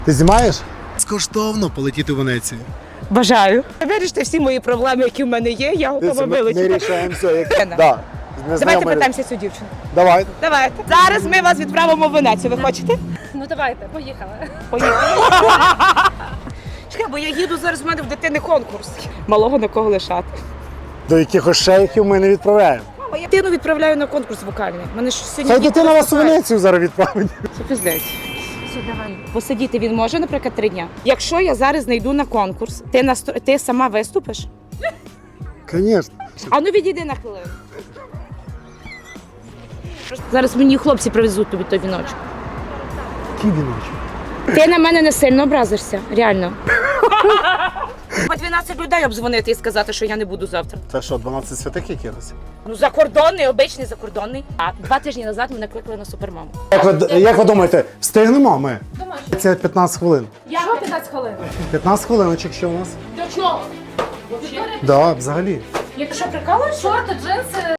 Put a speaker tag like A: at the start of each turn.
A: Ти знімаєш? Скоштовно полетіти в Венецію.
B: Бажаю. Вирішити всі мої проблеми, які в мене є, я готова
A: Ми
B: вилетіти.
A: рішаємо все. Як...
B: Лена.
A: Да.
B: Давайте питаємося цю дівчину.
A: Давай.
B: Давайте. Зараз ми вас відправимо в Венецію. Ви хочете?
C: Ну давайте, поїхали.
B: Поїхали. Чекай, бо я їду зараз, в мене в дитини конкурс. Малого на кого лишати.
A: До якихось шейхів ми не відправляємо.
B: Мама, я дитину відправляю на конкурс вокальний. Мене ж сьогодні
A: Хай
B: діти
A: дитина вас у
B: виступають.
A: Венецію зараз відправить.
B: Це пиздець.
C: Все, давай.
B: Посидіти він може, наприклад, 3 дня. Якщо я зараз не йду на конкурс, ти сама виступиш?
A: Звісно.
B: А ну відійди на хвилину. Зараз мені хлопці привезуть тобі той віночок.
A: Який віночок?
B: Ти на мене не сильно образишся, реально. По 12 людей обдзвонити і сказати, що я не буду завтра.
A: Це що, 12 святих якихось?
B: Ну, закордонний, обичний закордонний. А 2 тижні назад мене кликали на супермаму.
A: Як ви думаєте, встигнемо ми?
C: Думаю,
A: Це 15 хвилин.
C: що 15 хвилин?
A: 15 хвилиночок що у нас?
C: До чого?
A: Да, взагалі.
B: Якщо прикалуєш,
C: Шорти, джинси,